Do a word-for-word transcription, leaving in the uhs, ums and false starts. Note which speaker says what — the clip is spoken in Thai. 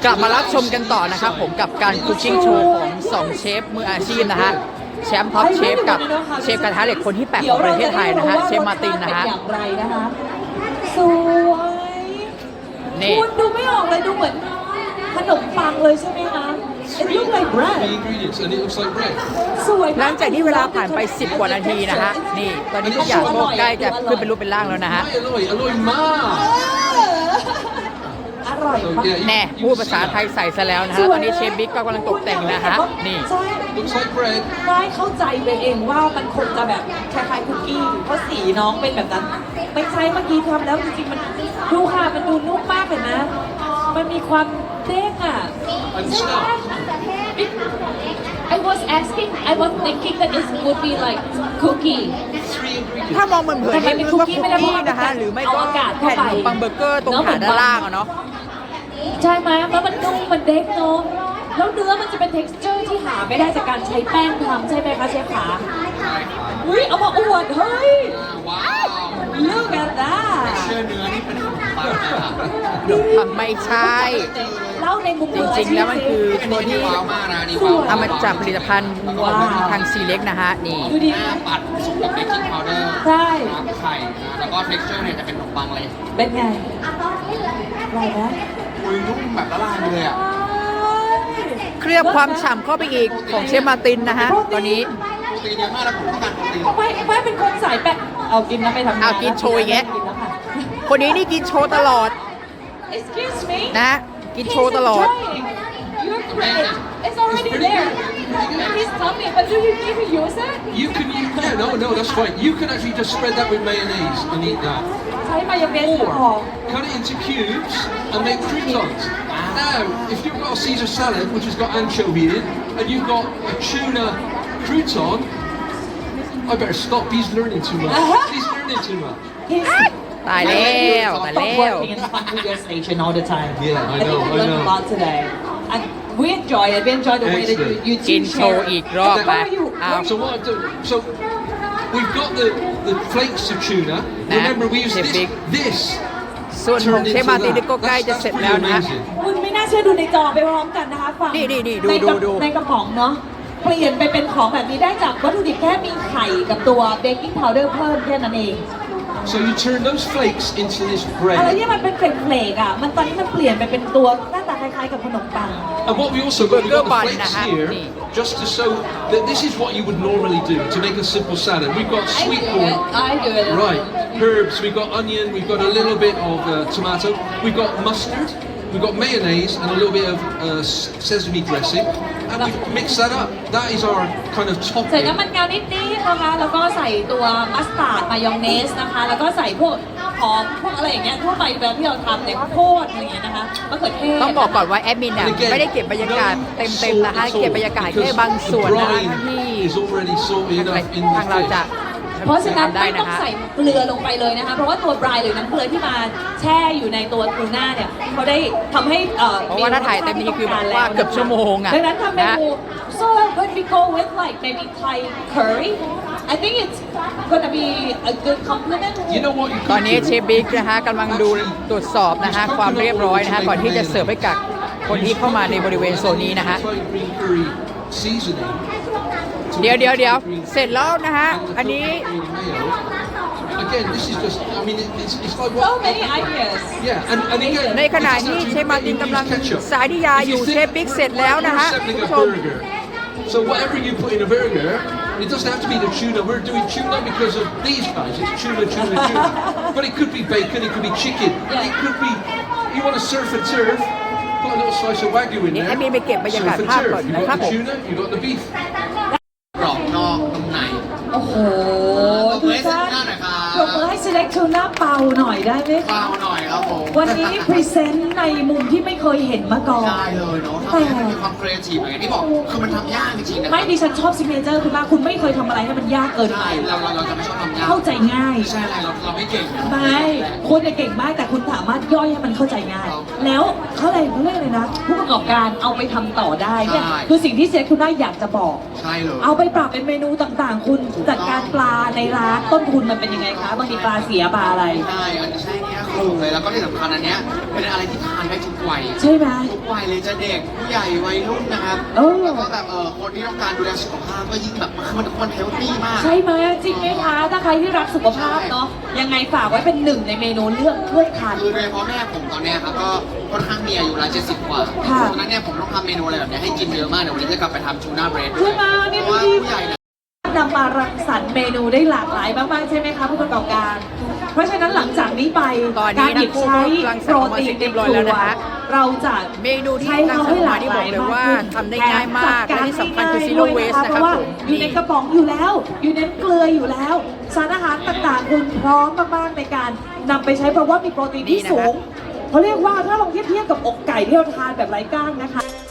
Speaker 1: กลับมารับชมกันต่อนะครับผมกับการคุกกิ้งโชว์ของสองเชฟมืออาชีพนะฮะแชมป์ท็อปเชฟกับเชฟกระทะเหล็กคนที่แปดของประเทศไทยนะฮะเชฟมาร์ตินนะฮะ
Speaker 2: อย่างไรนะคะสวยคุณดูไม่ออกเลยดูเหมือนขนมปังเลยใช่ไหมคะ It looks like bread
Speaker 3: The ingredients and it looks like bread
Speaker 2: สวย
Speaker 1: หลังจากที่เวลาผ่านไปสิบกว่านาทีนะฮะนี่ตอนนี้ทุกอย่างก็ใกล้จะขึ้นเป็นรูปเป็นร่างแล้วนะฮะ
Speaker 3: ไม่อร่อยอร่อยมาก
Speaker 2: อร่อยมาก
Speaker 1: แน่พูดภาษาไทยใส่ซะแล้วนะฮะตอนนี้เชฟบิ๊กก็กำลังตกแต่งนะฮะนี่
Speaker 2: ใช่
Speaker 3: looks like bread
Speaker 2: ได้เข้าใจไปเองว่ามันคงจะแบบคล้ายๆคุกกี้เพราะสีน้องเป็นแบบนั้นไม่ใช่เมื่อกี้ทำแล้วจริงๆมันดูค่ะมันดูนุ่มมากเลยนะ มันมีความเด้งอ่ะ
Speaker 3: and stuff
Speaker 4: I was asking, I was thinking that it would be like cookie.
Speaker 3: three ingredients
Speaker 1: ถ้ามองเหมือนเผินๆนี่นึกว่าคุกกี้นะฮะหรือไม่ก็แผ่นขนมปังเบอร์เกอร์ตรงฐานด้านล่างอะเนาะ
Speaker 2: ใช่ไหมแล้วมันนุ่มมันเด้งเนาะแล้วเนื้อมันจะเป็น texture ที่หาไม่ได้จากการใช้แป้งทำใช่ไหมคะเชฟขาอุ้ยเอามาอวดเฮ้ย
Speaker 3: ว้าว
Speaker 2: Look at that
Speaker 3: เชื่อเนื้อนี่เป็นขนมปังนะ
Speaker 1: ขนมปังไม่ใช่
Speaker 2: เล่าในมุม
Speaker 1: จริงๆแล้วมันคือตัวที่
Speaker 3: ว้าวมากนะนี่ว้าว
Speaker 1: ทำมาจากผลิตภัณฑ์ของทางซีเล็กนะฮะนี่
Speaker 2: ดูดิ
Speaker 3: หน้าปัดผสมกับเบกกิ้งพาวเดอร์
Speaker 2: ใช่
Speaker 3: น้ำไข่นะแล้วก็ texture เนี่ยจะเป็นขนมปังเลย
Speaker 2: เป็นไงอร่อยไหม
Speaker 3: อุ้ยนุ่มแบบละลายเลยอ่ะ
Speaker 1: เคลือบความฉ่ำเข้าไปอีกของเชฟมาร์ตินนะฮะตอนนี้
Speaker 3: โปรตีนเยอะมากแล้วผมต้องการโปรตีน
Speaker 2: เอาไปไปเป็นคนสายแปะเอากินนะไปทำงาน
Speaker 1: เอากินโชว์อีกแยะ
Speaker 2: กินแล้วค่ะ
Speaker 1: คนนี้นี่กินโชว์ตลอด
Speaker 2: Excuse me
Speaker 1: นะกินโชว์ตลอด
Speaker 2: You're great It's already there Please tell me but do you need to use it
Speaker 3: You can use yeah no no that's fine you can actually just spread that with mayonnaise and eat that
Speaker 2: ใช้มายองเนสพอ
Speaker 3: or cut it into cubes and make croutons now if you've got a Caesar salad which has got anchovy in and you've got a tuna crouton I better stop he's learning too much he's learning too much
Speaker 1: ตายแล้วตายแล้ว
Speaker 2: working in front of your station all the time
Speaker 3: Yeah, I know,
Speaker 2: think we
Speaker 3: I
Speaker 2: learned
Speaker 3: know.
Speaker 2: a lot today and we enjoy it we enjoy the way that you you
Speaker 1: กิน
Speaker 2: teach
Speaker 1: โชว์อีกรอบไปเอา
Speaker 3: So what I've done, so we've got the, the flakes of tuna.
Speaker 1: Nah,
Speaker 3: Remember we used
Speaker 1: they're
Speaker 3: this,
Speaker 1: big.
Speaker 3: this
Speaker 1: ส่วนของเชฟมาร์ตินนี่ก็ใกล้จะเสร็จแล้วนะฮะ
Speaker 2: คุณไม่น่าเชื่อดูในจอไปพร้อมกันนะคะฟัง
Speaker 1: นี่นี่นี่ดู
Speaker 2: ในกระ
Speaker 1: ดูดู
Speaker 2: ในกระป๋องเนาะเปลี่ยนไปเป็นของแบบนี้ได้จากวัตถุดิบแค่มีไข่กับตัวเบกกิ้งพาวเดอร์เพิ่มแค่นั้นเอง
Speaker 3: So you turn those flakes into this
Speaker 2: อะไร
Speaker 3: bread.
Speaker 2: ที่มันเป็นเฟลกๆอ่ะมันตอนนี้มันเปลี่ยนไปเป็นตัวหน้าตาคล้ายๆกับขนมปัง
Speaker 3: And what we also got, we've got the
Speaker 1: Burger bun,
Speaker 3: flakes
Speaker 1: nah,
Speaker 3: here,
Speaker 1: nee.
Speaker 3: just to show that this is what you would normally do to make a simple salad. We've got
Speaker 2: I
Speaker 3: sweet
Speaker 2: do
Speaker 3: corn.
Speaker 2: it I do it
Speaker 3: Right, herbs, we've got onion, we've got a little bit of uh, tomato, we've got mustard, we've got mayonnaise and a little bit of uh, sesame dressing, and we mix that up. That is our kind of
Speaker 2: ใส่
Speaker 3: topping.
Speaker 2: น้ำมันงานิดๆนะคะแล้วก็ใส่ตัวมัสตาร์ดมายองเนสนะคะแล้วก็ใส่พวกหอมพวกอะไรอย่างเงี้ยทั่วไปแบบที่เราทำเนี่ยข้าวโพดอะไรอย่างเงี้ยนะคะมะเขือเทศ
Speaker 1: ต้องบอกก่อนว่าแอดมินเนี่ยไม่ได้เก็บบรรยากาศเต็มๆนะคะเก็บบรรยากาศแค่บางส่วนนะคะที่
Speaker 3: is already salty
Speaker 1: ทาง
Speaker 3: enough in
Speaker 1: ทางเรา
Speaker 3: the
Speaker 1: จะ
Speaker 3: fish.
Speaker 2: เพราะฉะนั้น
Speaker 1: ทำได้
Speaker 2: ไม่ต้
Speaker 1: นะ
Speaker 2: อง
Speaker 1: คะ
Speaker 2: ใส่เกลือลงไปเลยนะคะเพราะว่าตัวบรายหรือน้ำเกลือที่มาแช่อยู่ในตัวทูน่าเนี่ยเขาได้ทำให้เอ่อ
Speaker 1: เพราะว่าถ้าถ่ายเต็มนี้คือแบบว่าเกือบชั่วโมงอะ
Speaker 2: ดังนั้นทำเม
Speaker 1: นะ
Speaker 2: นู so when we go with like maybe Thai curry I think it's gonna be a good compliment
Speaker 3: You know what you
Speaker 1: ตอน
Speaker 3: could
Speaker 1: นี้
Speaker 3: do?
Speaker 1: เชฟบิ๊กนะคะกำลังดูตรวจสอบนะคะความเรียบร้อยนะคะก่อนที่จะเสิร์ฟให้กับคนที่เข้ามาในบริเวณโซนนี้นะคะ
Speaker 3: Thai green curry seasoning.
Speaker 1: เดี๋ยวเดี๋ยวเดี๋ยวเสร็จแล้วนะคะอันนี้
Speaker 3: Again, this is just, I mean, it- it's, it's like
Speaker 2: so
Speaker 3: what...
Speaker 2: many ideas
Speaker 3: Yeah, and, and again...
Speaker 1: ในขณะที่เชฟมาร์ตินกำลังสายดิยาอยู่เชฟบิ๊กเสร็จแล้วนะฮะ
Speaker 3: We're
Speaker 1: คุณ
Speaker 3: selling
Speaker 1: ผู้
Speaker 3: a
Speaker 1: ชม
Speaker 3: burger. So whatever you put in a burger, it doesn't have to be the tuna. We're doing tuna because of these guys. It's tuna, tuna, tuna. But it could be bacon, it could be chicken.
Speaker 2: Yeah.
Speaker 3: It could be, you want to surf and turf, put a little slice of wagyu in
Speaker 1: เดี๋ยว
Speaker 3: there.
Speaker 1: แอดมินไปเก็บบรรยากาศ
Speaker 3: Surf and
Speaker 1: ภาพ
Speaker 3: turf.
Speaker 1: ก่อน
Speaker 3: You've
Speaker 1: นะครับ
Speaker 3: got
Speaker 1: ผ
Speaker 3: the
Speaker 1: ม
Speaker 3: tuna, you've got the beef. กรอบนอกนุ่มใน
Speaker 2: โอ้โหดูจ้าปรบมือให้ select tuna เปาหน่อยได้ไหม
Speaker 5: เบาหน่อยครับผม
Speaker 2: วันนี้พรีเซนต์ในมุมที่ไม่เคยเห็นมาก่อน
Speaker 5: ได้เลยเนาะทำให้มันมีความครีเอทีฟอย่างที่บอกคือมันทำยากจริงๆนะค
Speaker 2: ไม่
Speaker 5: รับ
Speaker 2: ดิฉันชอบซิกเนเจอร์คุณมากคุณไม่เคยทำอะไรให้มันยากเกินไป
Speaker 5: ใช่เราเราเราจะไม่ชอบทำยาก
Speaker 2: เข้าใจง่าย
Speaker 5: ไม่ใช่อะไรเราเราไม่เก่งนะ
Speaker 2: ไม่คุณเนี่ยเก่งมากแต่คุณสามารถย่อยให้มันเข้าใจง่าย แล้วเขาอะไรเรื่องเลยนะ ผู้ประกอบการเอาไปทำต่อได้เนี่ยคือสิ่งที่เซฟคุณได้อยากจะบอก
Speaker 5: ใช่เลย
Speaker 2: เอาไปปรับเป็นเมนูต่างๆ คุณจัดการปลาในร้านต้นทุนมันเป็นยังไงคะบางทีปลาเสียปลาอะไร
Speaker 5: ใช่อันนี้ใช่เนี่ยคลุมเลย แล้วก็ที่สำคัญอันเนี้ยเป็นอะไรที่ทานได้ทุกวัย
Speaker 2: ใช่ไหม
Speaker 5: ทุกวัยเลยจะเด็กผู้ใหญ่วัยรุ่นนะครับ
Speaker 2: เออ
Speaker 5: แล้วก็แบบเออคนที่ต้องการดูแลสุขภาพก็ยิ่งแบบมันมันมันเฮลตี้มาก
Speaker 2: ใช่ไหมจริงไหมคะ ถ้าใครที่รักสุขภาพเนาะยังไงฝากไว้เป็นหนึ่งในเมนูเลือกเลือกทาน
Speaker 5: คือโดยเฉพาะแม่ผมตอนเนี้ยครับก็ค่อนข้างมีอายุแล้วเจ็ดสิบกว่า
Speaker 2: ค่ะ
Speaker 5: ฉะนั้นเนี่ยผมต้องทำเมนูอะไรแบบเนี้ยให้กินเยอะมากเดี๋ยววันนี้จะกลับไปทำทูน่าเบรด
Speaker 2: ใช่ไหมนี่
Speaker 5: เพราะว่า
Speaker 2: ดูดิ
Speaker 5: ผู้ใหญ่เนี่ย
Speaker 2: นำมารังสรรค์เมนูได้หลากหลายมากๆใช่ไหมคะผู้ประกอบการ เพราะฉะนั้นหลังจากนี้ไป
Speaker 1: ตอนนี้
Speaker 2: การหยิบใช้
Speaker 1: ทั้ง
Speaker 2: โป
Speaker 1: คู่
Speaker 2: ร
Speaker 1: ก็รังสรรค์ออกมา
Speaker 2: ตีน
Speaker 1: เสร็จเรี
Speaker 2: ใน
Speaker 1: ยบร้อย
Speaker 2: ค
Speaker 1: แล้ว
Speaker 2: รัว
Speaker 1: นะฮะ
Speaker 2: เราจะ
Speaker 1: เมนูที่
Speaker 2: ใช้
Speaker 1: รัง
Speaker 2: เขา
Speaker 1: สรรค์
Speaker 2: ให้
Speaker 1: ออก
Speaker 2: ห
Speaker 1: มา
Speaker 2: ลาก
Speaker 1: ที่
Speaker 2: ห
Speaker 1: บอ
Speaker 2: ลาก ย
Speaker 1: เลย
Speaker 2: มาก
Speaker 1: ว่า
Speaker 2: ขึ้น
Speaker 1: ทำได้ง่ายมาก
Speaker 2: แถ
Speaker 1: และที่สำคัญคือ zero waste นะครับ
Speaker 2: เพราะว่า
Speaker 1: ผม
Speaker 2: อยู่ในกระป๋องอยู่แล้ว อยู่ในเกลืออยู่แล้ว สารอาหารต่างๆคุณพร้อมมากๆในการนำไปใช้เพราะว่ามีโปรตีนที่สูงเขาเรียกว่าถ้าลองเทียบเทียบกับอกไก่ที่เราทานแบบไร้กล้างนะคะ